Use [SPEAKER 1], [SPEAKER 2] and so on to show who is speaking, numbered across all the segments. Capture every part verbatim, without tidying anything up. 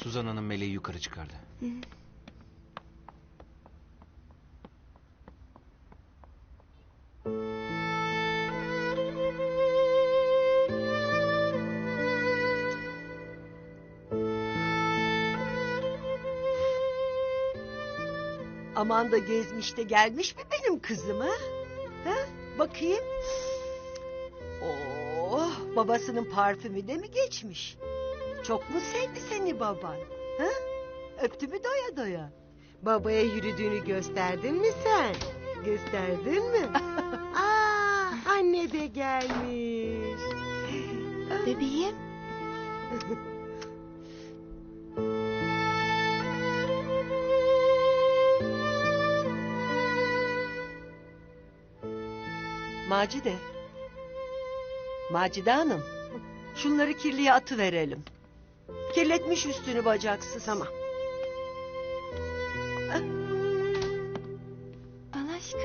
[SPEAKER 1] Suzan Hanım Meleği yukarı çıkardı.
[SPEAKER 2] Hı.
[SPEAKER 3] Aman da gezmiş de gelmiş mi benim kızım ha? Ha? Bakayım. Oh, babasının parfümü de mi geçmiş? Çok mu sevdi seni baban? Ha? Öptü mü doya doya? Babaya yürüdüğünü gösterdin mi sen? Gösterdin mi? Aa, anne de gelmiş.
[SPEAKER 2] Bebeğim.
[SPEAKER 3] Macide. Macide Hanım. Şunları kirliye atıverelim. Kirletmiş üstünü bacaksız. Tamam.
[SPEAKER 2] Al aşkım.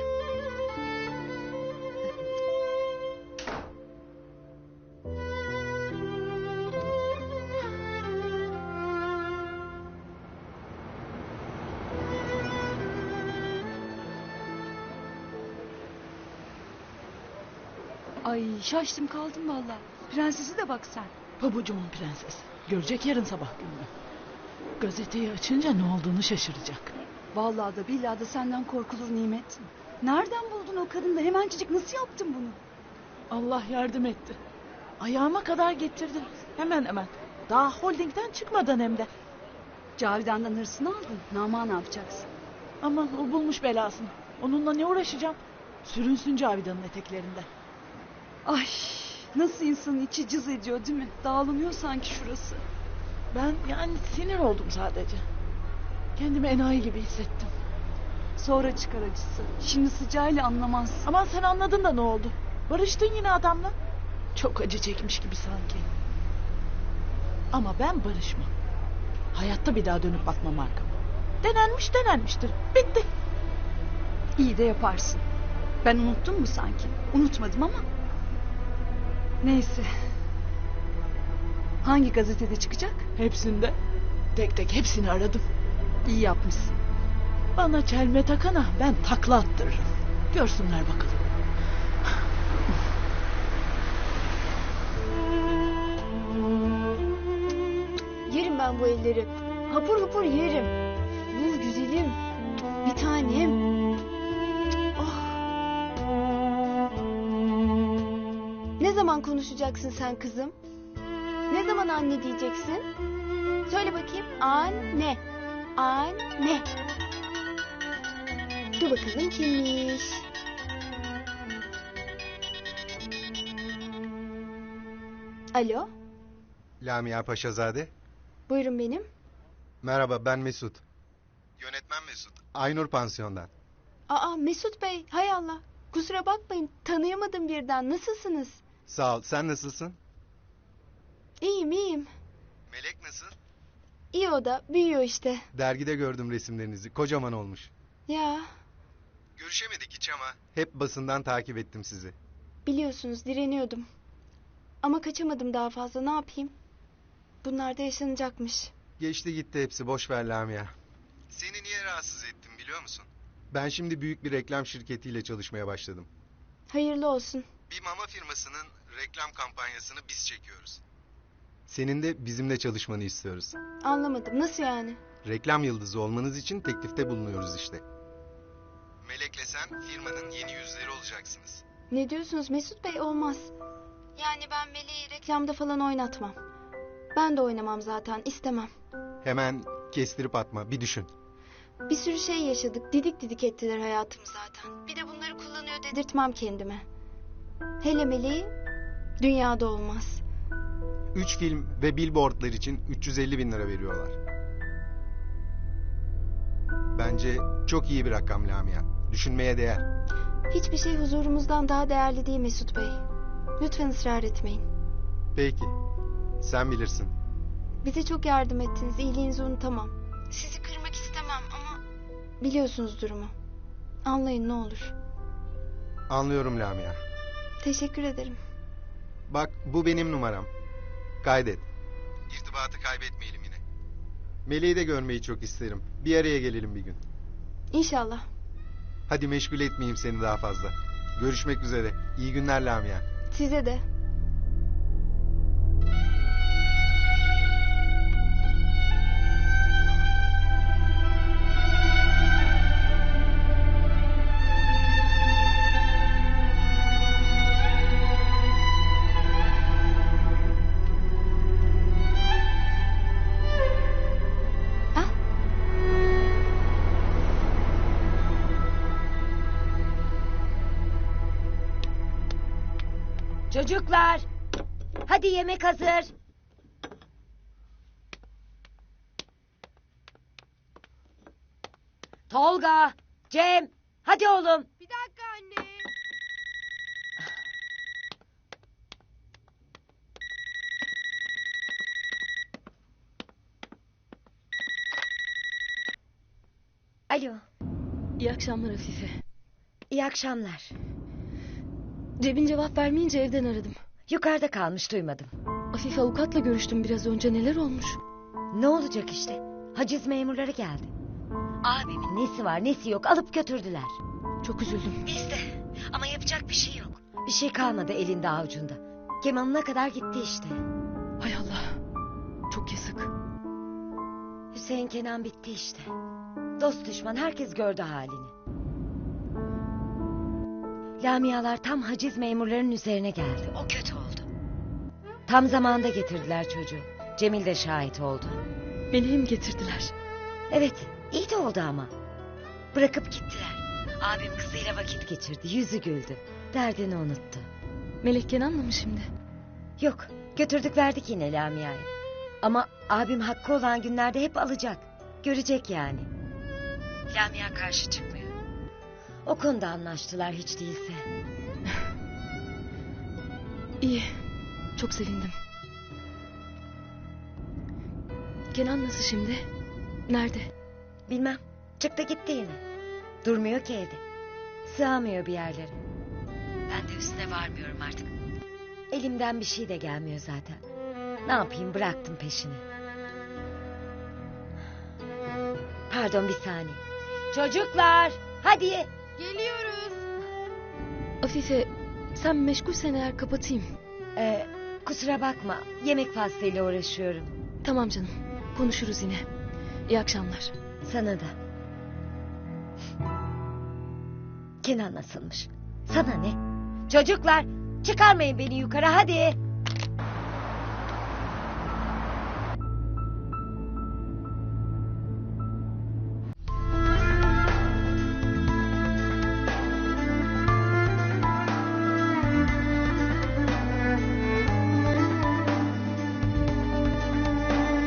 [SPEAKER 4] Ay şaştım kaldım valla. Prensesi de bak sen.
[SPEAKER 5] Pabucumun prensesi. Görecek yarın sabah gününü. Gazeteyi açınca ne olduğunu şaşıracak.
[SPEAKER 4] Vallahi da billahi da senden korkulur Nimet. Nereden buldun o kadını da hemencecik nasıl yaptın bunu?
[SPEAKER 5] Allah yardım etti. Ayağıma kadar getirdim. Hemen hemen. Daha holdingden çıkmadan hem de.
[SPEAKER 4] Cavidan'dan hırsını aldın. Nama ne yapacaksın?
[SPEAKER 5] Aman o bulmuş belasını. Onunla ne uğraşacağım? Sürünsün Cavidan'ın eteklerinde.
[SPEAKER 4] Ay nasıl insanın içi cız ediyor değil mi? Dağılıyor sanki şurası.
[SPEAKER 5] Ben yani sinir oldum sadece. Kendimi enayi gibi hissettim.
[SPEAKER 4] Sonra çıkar acısı. Şimdi sıcağıyla anlamaz.
[SPEAKER 5] Aman sen anladın da ne oldu? Barıştın yine adamla. Çok acı çekmiş gibi sanki. Ama ben barışmam. Hayatta bir daha dönüp bakmam arkama. Denenmiş denenmiştir. Bitti.
[SPEAKER 4] İyi de yaparsın. Ben unuttum mu sanki? Unutmadım ama. Neyse. Hangi gazetede çıkacak?
[SPEAKER 5] Hepsinde. Tek tek hepsini aradım.
[SPEAKER 4] İyi yapmışsın.
[SPEAKER 5] Bana çelme takana ben takla attırırım. Görsünler bakalım.
[SPEAKER 2] Yerim ben bu elleri. Hapur hapur yerim. Bu güzelim. Bir tanem. Oh. Ne zaman konuşacaksın sen kızım? Ne zaman anne diyeceksin? Söyle bakayım. Anne. Anne. Dur bakalım kimmiş? Alo.
[SPEAKER 6] Lamia Paşazade.
[SPEAKER 2] Buyurun benim.
[SPEAKER 6] Merhaba, ben Mesut. Yönetmen Mesut. Aynur Pansiyon'dan.
[SPEAKER 2] Aa Mesut Bey, hay Allah. Kusura bakmayın, tanıyamadım birden. Nasılsınız?
[SPEAKER 6] Sağ ol, sen nasılsın?
[SPEAKER 2] İyiyim, iyiyim.
[SPEAKER 6] Melek nasıl?
[SPEAKER 2] İyi o da, büyüyor işte.
[SPEAKER 6] Dergide gördüm resimlerinizi, kocaman olmuş.
[SPEAKER 2] Ya,
[SPEAKER 6] Görüşemedik hiç ama hep basından takip ettim sizi.
[SPEAKER 2] biliyorsunuz direniyordum. Ama kaçamadım daha fazla, ne yapayım? Bunlar da yaşanacakmış.
[SPEAKER 6] Geçti gitti hepsi, boş ver Lamia. Seni niye rahatsız ettim biliyor musun? Ben şimdi büyük bir reklam şirketiyle çalışmaya başladım.
[SPEAKER 2] Hayırlı olsun.
[SPEAKER 6] Bir mama firmasının reklam kampanyasını biz çekiyoruz. Senin de bizimle çalışmanı istiyoruz.
[SPEAKER 2] Anlamadım, nasıl yani?
[SPEAKER 6] Reklam yıldızı olmanız için teklifte bulunuyoruz işte. Melek'le sen firmanın yeni yüzleri olacaksınız.
[SPEAKER 2] Ne diyorsunuz Mesut Bey, olmaz. Yani ben Meleği reklamda falan oynatmam. Ben de oynamam zaten, istemem.
[SPEAKER 6] Hemen kestirip atma, bir düşün.
[SPEAKER 2] Bir sürü şey yaşadık, didik didik ettiler hayatımı zaten. Bir de bunları kullanıyor dedirtmem kendime. Hele Meleği dünyada olmaz.
[SPEAKER 6] Üç film ve billboardlar için üç yüz elli bin lira veriyorlar. Bence çok iyi bir rakam Lamia. Düşünmeye değer.
[SPEAKER 2] Hiçbir şey huzurumuzdan daha değerli değil Mesut Bey. Lütfen ısrar etmeyin.
[SPEAKER 6] Peki, sen bilirsin.
[SPEAKER 2] Bize çok yardım ettiniz, iyiliğinizi unutamam. Sizi kırmak istemem ama biliyorsunuz durumu. Anlayın ne olur.
[SPEAKER 6] Anlıyorum Lamia.
[SPEAKER 2] Teşekkür ederim.
[SPEAKER 6] Bak, bu benim numaram. Kaydet. İrtibatı kaybetmeyelim yine. Meleği de görmeyi çok isterim. Bir araya gelelim bir gün.
[SPEAKER 2] İnşallah.
[SPEAKER 6] Hadi meşgul etmeyeyim seni daha fazla. Görüşmek üzere. İyi günler Lamia.
[SPEAKER 2] Size de. Ah,
[SPEAKER 1] Çocuklar, hadi yemek hazır. Tolga, Cem, hadi oğlum.
[SPEAKER 7] Bir dakika anne.
[SPEAKER 1] Alo,
[SPEAKER 8] İyi akşamlar Afife.
[SPEAKER 1] iyi akşamlar.
[SPEAKER 8] Cem'in cevap vermeyince evden aradım.
[SPEAKER 1] Yukarıda kalmış, duymadım.
[SPEAKER 8] Afife avukatla görüştüm biraz önce, neler olmuş?
[SPEAKER 1] Ne olacak işte? Haciz memurları geldi. Abimin nesi var nesi yok alıp götürdüler.
[SPEAKER 8] Çok üzüldüm.
[SPEAKER 1] Biz de, ama yapacak bir şey yok. Bir şey kalmadı elinde avucunda. Kemanına kadar gitti işte.
[SPEAKER 8] Hay Allah. Çok yazık.
[SPEAKER 1] Hüseyin Kenan bitti işte. Dost düşman herkes gördü halini. Lamialar tam haciz memurlarının üzerine geldi. O kötü oldu. Tam zamanda getirdiler çocuğu. Cemil de şahit oldu.
[SPEAKER 8] Meleği mi getirdiler?
[SPEAKER 1] Evet, iyi de oldu ama. Bırakıp gittiler. Abim kızıyla vakit geçirdi, yüzü güldü. Derdini unuttu.
[SPEAKER 8] Melek Kenan'la mı şimdi?
[SPEAKER 1] Yok, götürdük verdik yine Lamia'yı. Ama abim hakkı olan günlerde hep alacak. Görecek yani. Lamia karşı çıkmıyor. O konuda anlaştılar hiç değilse.
[SPEAKER 8] İyi. Çok sevindim. Kenan nasıl şimdi? Nerede?
[SPEAKER 1] Bilmem, çıktı gitti yine. Durmuyor ki evde. Sığamıyor bir yerlere. Ben de üstüne varmıyorum artık. Elimden bir şey de gelmiyor zaten. Ne yapayım, bıraktım peşini. Pardon, bir saniye. Çocuklar, hadi.
[SPEAKER 7] Geliyoruz.
[SPEAKER 8] Afife, sen meşgulsen eğer kapatayım.
[SPEAKER 1] Ee, kusura bakma, yemek faslıyla uğraşıyorum.
[SPEAKER 8] Tamam canım. Konuşuruz yine. İyi akşamlar.
[SPEAKER 1] Sana da. Kenan nasılmış? Sana ne? Çocuklar, çıkarmayın beni yukarı hadi.